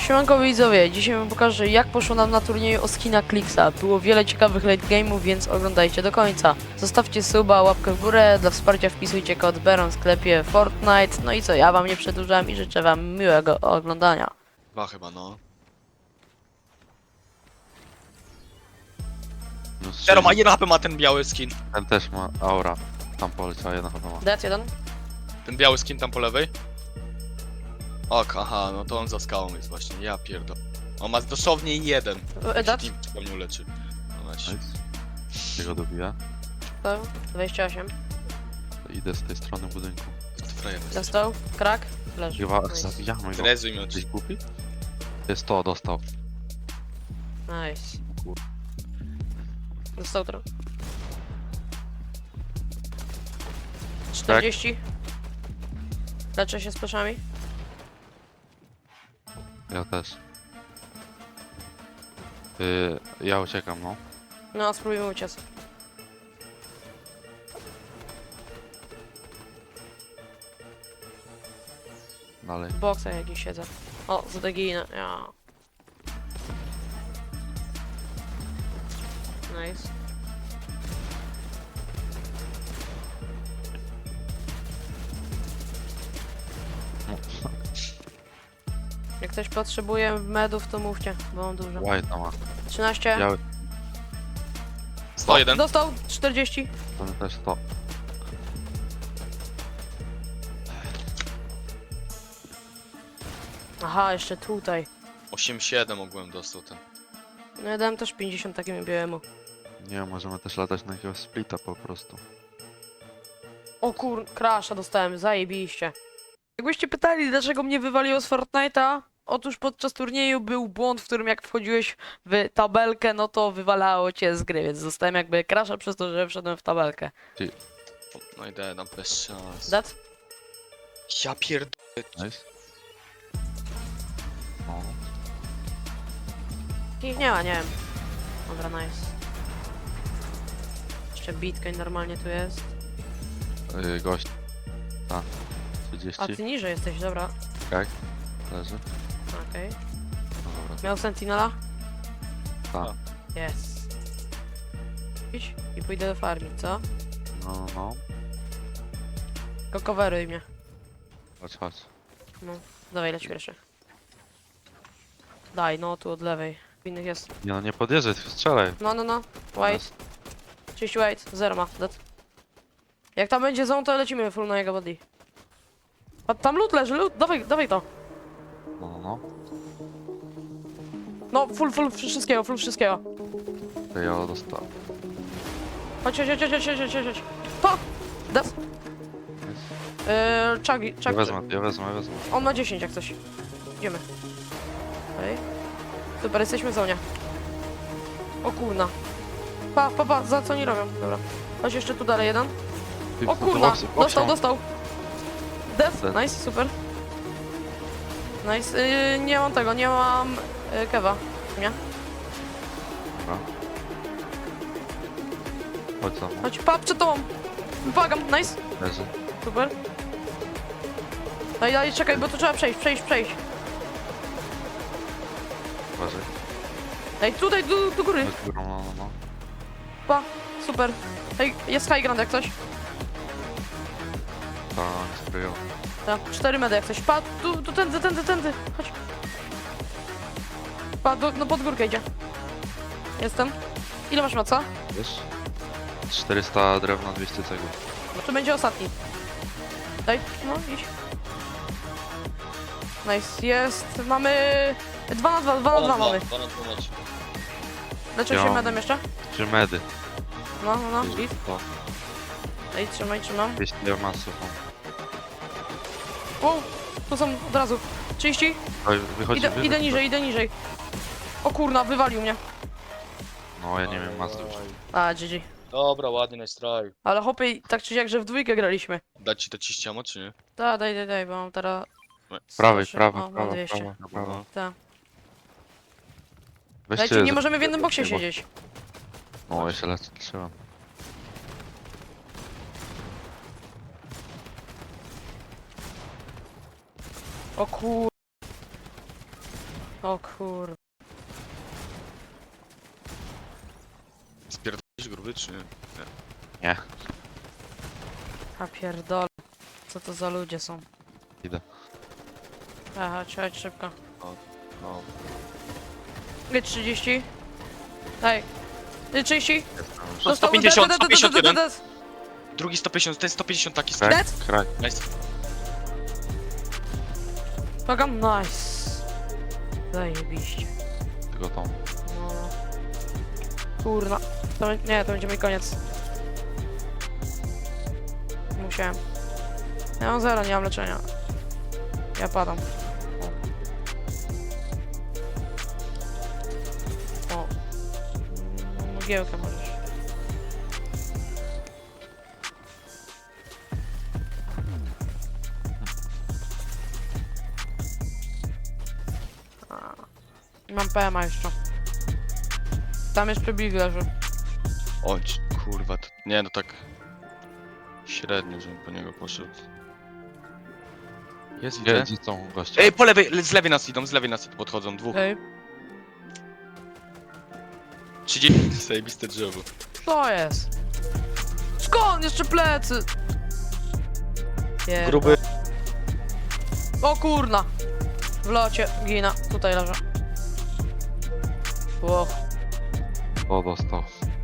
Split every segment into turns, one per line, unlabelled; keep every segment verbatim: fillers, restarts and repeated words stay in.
Siemanko widzowie, dzisiaj wam pokażę jak poszło nam na turnieju o skina Clixa. Było wiele ciekawych late game'ów, więc oglądajcie do końca. Zostawcie suba, łapkę w górę, dla wsparcia wpisujcie kod Beron w sklepie Fortnite. No i co, ja wam nie przedłużam i życzę wam miłego oglądania.
Dwa chyba, no.
No
Zero ma jeden H P ma ten biały skin.
Ten też ma aura. Tam poleciała, jedna chyba ma.
Dead jeden.
Ten biały skin tam po lewej. Ok, aha, no to on za skałą jest właśnie, ja pierdol. On ma dosłownie jeden.
E, Dead.
Team przypomniał leczy. No weź.
Nice. Jego dobija.
To dwadzieścia osiem.
To idę z tej strony budynku.
To frajer jest.
Dostał. Krak. Leży.
Chyba
Nice.
zabijamy go.
Rezuj mi
Jesteś
oczy.
głupi? Jest to, dostał.
Nice. Dostał trochę. czterdzieści. Leczę się z proszami.
Ja też. Yy, ja uciekam, no.
No, spróbujmy uciec.
Dalej.
W boksach jakiś siedzę. O, zadeginę. Ja. Nice. Jak ktoś potrzebuje medów, to mówcie, bo mam dużo.
White ma.
trzynaście.
Biały.
sto jeden.
Dostał. czterdzieści.
Ten też to.
Aha, jeszcze tutaj.
osiem siedem ogółem dostał ten.
No ja dałem też pięćdziesiąt takiemu białemu.
Nie, możemy też latać na jakiegoś splita po prostu.
O kur... crasha dostałem, zajebiście. Jakbyście pytali, dlaczego mnie wywaliło z Fortnite'a? Otóż podczas turnieju był błąd, w którym jak wchodziłeś w tabelkę, no to wywalało cię z gry, więc dostałem jakby crasha przez to, że wszedłem w tabelkę.
No i daję nam bez szans.
Dead?
Ja pierdol.
Nice. No.
Ich nie ma, nie wiem. Dobra, nice. Jeszcze Bitcoin normalnie tu jest.
Yy, gość. Tak.
A
trzydzieści.
ty niżej jesteś, dobra.
Tak. Leży.
Okej.
No dobra.
Miał Sentinela?
Tak.
Jest. Idź i pójdę do farmi, co?
No, no.
Tylko coveruj mnie.
Chodź, chodź.
No, dawaj, leć pierwszy. Daj, no tu od lewej. W innych jest.
Nie no, nie podjeżdżaj, tylko strzelaj.
No, no, no. Wait. trzydzieści wait. Zero ma. Dead. Jak tam będzie zone, to lecimy full na jego body. A tam loot leży, loot. Dawaj, dawaj to.
No, no, no.
No, full, full wszystkiego, full wszystkiego.
To ja dostałem.
Chodź, chodź, chodź, chodź, chodź, chodź, chodź. To! Dead. Eee, Chucky,
Ja
Chucky.
wezmę, ja wezmę, ja wezmę.
On ma dziesięć jak coś. Idziemy. Okej. Super, jesteśmy w zonie. O kurna. Pa, pa, pa, za co oni robią? Dobra. Chodź jeszcze tu dalej jeden.
Ty,
O
to
kurna,
boksy, boksy
dostał,
mam.
dostał. Death,
Death.
nice, super. Nice, yy, nie mam tego, nie mam yy, kewa. Nie?
Dobra. Chodź za mną.
Chodź, pa, przed tobą. Błagam, nice,
Leży.
super. Daj, daj, czekaj, bo tu trzeba przejść, przejść, przejść.
Uważaj.
Daj, tutaj, do, do góry.
Chodź górą, no, no, no.
Pa, super. Ej, jest high ground jak coś.
Tak, sprayą.
Tak, cztery medy jak coś. Pa, tu, tu, tędy, tędy, tędy. Chodź. Pa, do, no pod górkę idzie. Jestem. Ile masz moca?
Wiesz? czterysta drewna, dwieście cegów.
No to będzie ostatni. Daj, no idź. Nice, jest. Mamy... dwa na dwa, dwa na dwa mamy.
dwa na dwa macie.
Leczę
Ja
się
mam-
medem jeszcze?
Trzy medy.
No, no, no, git.
To.
Ej, trzymaj, trzymam.
dwieście masów.
Wow, tu są od razu. trzydzieści.
Oj, wychodzi,
Idę,
wychodzi.
idę niżej, idę niżej. O kurna, wywalił mnie.
No, ja nie wiem masów.
A, G G.
Dobra, ładnie, nice try.
Ale hopy, tak czy siak, że w dwójkę graliśmy.
Dać ci te ciściamo, czy nie?
Da, daj, daj, daj, bo mam teraz...
Prawej,
Proszę.
prawej,
O, mam
prawa,
dwieście.
prawa, prawa.
Tak.
Weźcie,
Dajcie, nie możemy w jednym boksie
bo-
siedzieć.
No, ja się lecę, trzymam.
O kur... O kur...
Spierdolisz gruby, czy nie?
Nie,
A pierdolę. Co to za ludzie są?
idę.
Aha, chodź szybko.
No.
Gdzie trzydzieści? Daj. Gdzie trzydzieści?
Jestem już.
To sto pięćdziesiąt, sto pięćdziesiąt jeden.
Dead.
Drugi sto pięćdziesiąt, ten sto pięćdziesiąt taki
Kraj,
Dead?
kraj.
Nice.
Pagam, nice. Zajebiście.
Tylko tą.
No. Kurwa. To, bę- nie, to będzie mój koniec. Musiałem. Ja mam zero, nie mam leczenia. Ja padam. O. O. Mm, Mgiełkę możesz. A. Mam P M A jeszcze. Tam jeszcze Big leży.
Oj, kurwa, to... Nie, no tak... Średnio, żebym po niego poszedł. Jest,
Gdzie,
widzę.
gdzie są goście?
Ej, po lewej, le- z lewej nas idą, z lewej nas podchodzą, dwóch.
Ej,
trzydzieści, zajebiste drzewo.
co jest? Skąd? Jeszcze plecy! Pierdol-
Gruby.
O kurna! W locie, gina. Tutaj leżę. Ło,
O, dostał.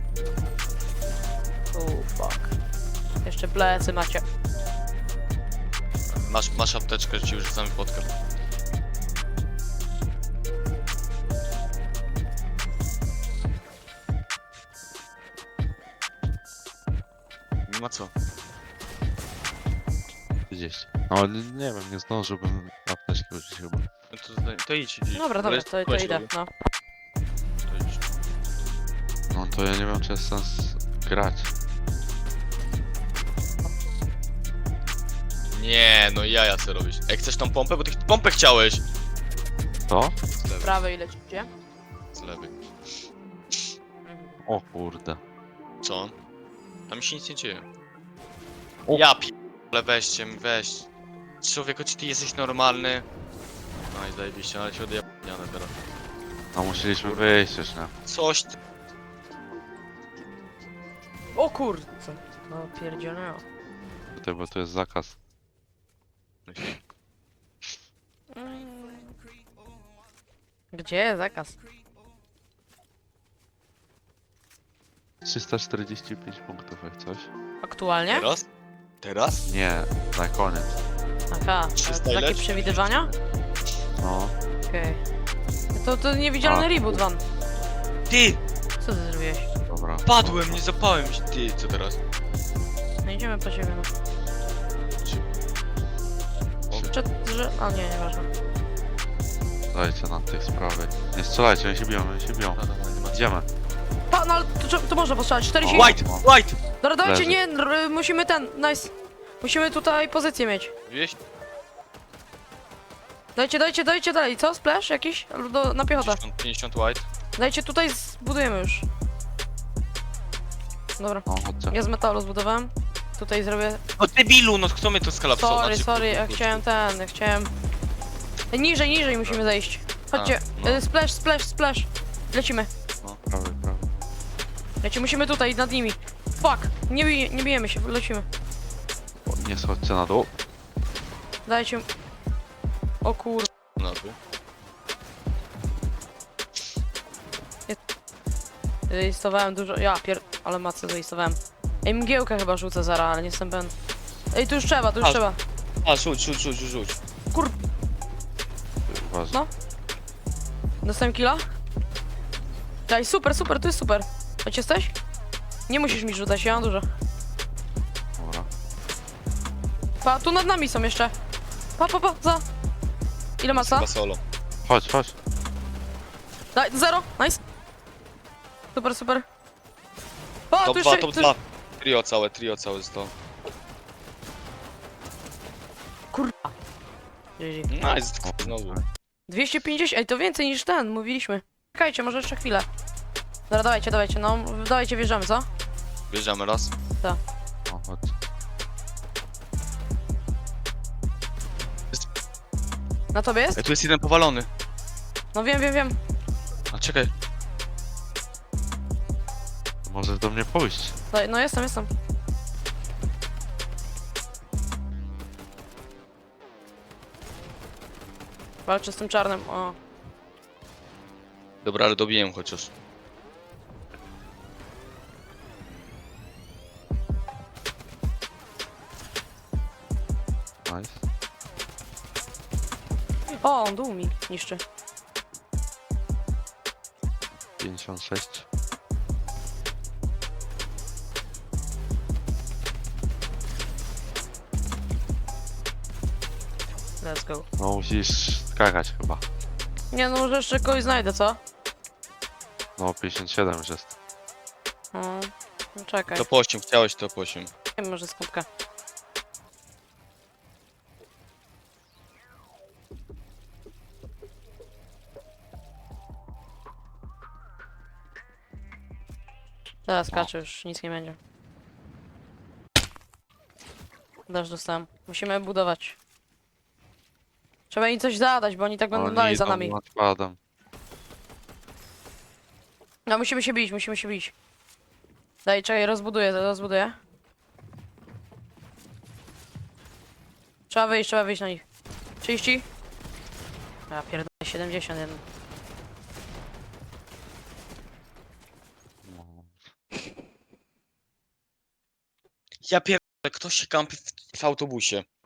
oh fuck. Jeszcze plecy macie.
Masz, masz apteczkę, że ci już rzucamy podkę. Nie ma co.
trzydzieści. No ale nie wiem, nie zdążyłbym apteczki użyć chyba.
No to, to idź, idź.
Dobra, dobra, to, to idę, no.
To idź.
No to ja nie wiem, czy jest sens grać.
Nie, no jaja co robisz. Ej, chcesz tą pompę? Bo ty ch- pompę chciałeś!
To?
Z lewej,
Prawej lecicie.
z lewej.
Mhm.
O kurde.
Co? Tam się nic nie dzieje.
O.
Ja pi... Ale weźcie, weź. Człowieku, czy ty jesteś normalny? No i zajebiście, ale się odjebniane teraz.
No musieliśmy wyjść już, nie?
Coś ty...
O kurde. No pierdzielę.
Tutaj, bo tu jest zakaz.
Gdzie jest zakaz?
trzysta czterdzieści pięć punktów jak coś.
Aktualnie?
Teraz? Teraz?
Nie, na koniec.
Aha,
trzysta
takie
ile?
przewidywania?
No.
Okej. To, to niewidzialny
A,
reboot van.
Ty!
Co ty zrobiłeś?
Dobra.
Padłem, nie zapałem się. Ty, co teraz?
No idziemy po ciebie, no. Czy, że... A nie, nieważne.
Dajcie na tych sprawy. Nie strzelajcie, oni się biją, oni się biją.
No, no, no, nie ma co.
Idziemy.
Pa, no ale to, to można postrzelać. czterdzieści...
O.
White! White!
Dobra, dawajcie,
Leży.
nie, r- musimy ten, nice. Musimy tutaj pozycję mieć.
Wieś?
Dajcie, dajcie, dajcie dalej. Co? Splash jakiś? Albo Do, na piechotę.
pięćdziesiąt, pięćdziesiąt white.
Dajcie tutaj, zbudujemy już. Dobra,
No, chodźcie.
ja z metalu zbudowałem. Tutaj zrobię...
No debilu, no kto mnie to skalapsował?
Sorry, sorry, ja chciałem ten, ja chciałem... Niżej, niżej musimy zejść. Chodźcie,
A, no.
y, splash, splash, splash. Lecimy.
Prawy, prawy.
Lecimy, musimy tutaj, nad nimi. Fuck, nie, bij, nie bijemy się, lecimy.
O, nie schodźcie na dół.
Dajcie... O kur...
No tu.
Zaistowałem dużo... Ja pier... Ale macę zaistowałem. Ej, mgiełkę chyba rzucę zaraz, ale nie jestem pewien. Ej, tu już trzeba, tu już
A,
trzeba.
A, rzuć, rzuć, rzuć, rzuć.
Kur...
Uważaj.
No. Dostałem killa? Daj, super, super, tu jest super. Chodź, jesteś? Nie musisz mi rzucać, ja mam dużo.
Dobra.
Pa, tu nad nami są jeszcze. Pa, pa, pa, za. Ile maca?
Chyba solo.
Chodź, chodź.
Daj, zero, nice. Super, super. O,
Top
tu
dwa,
jeszcze...
top
tu...
dwa. Trio całe, trio całe z to.
Kurwa. G G.
Nice, znowu.
dwieście pięćdziesiąt, ej, to więcej niż ten, mówiliśmy. Czekajcie, może jeszcze chwilę. Dobra, dawajcie, dawajcie, no, dawajcie, wjeżdżamy, co?
Bierzemy raz.
No, chodź.
Na tobie jest?
Ej, tu jest jeden powalony.
No wiem, wiem, wiem.
A czekaj.
Możesz do mnie pójść.
Daj, no jestem, jestem. Walczę z tym czarnym, o.
Dobra, ale dobiję chociaż.
Nice.
O, on dół mi niszczy.
pięćdziesiąt sześć.
Let's go.
No musisz skakać chyba.
Nie no, może jeszcze kogoś znajdę, co?
No pięćdziesiąt siedem już jest.
O, no czekaj.
To po osiem, chciałeś to po osiem.
Nie wiem, może skutka. Teraz skaczę, już nic nie będzie. Też dostałem. Musimy budować. Trzeba im coś zadać, bo oni tak będą
Oni
dalej za
idą
nami.
nadkładem.
No musimy się bić, musimy się bić. Daj, czekaj, rozbuduję, rozbuduję. Trzeba wyjść, trzeba wyjść na nich. trzydzieści? Ja pierdolę, siedemdziesiąt jeden.
No.
Ja pierdolę, ktoś się kampi w, w autobusie.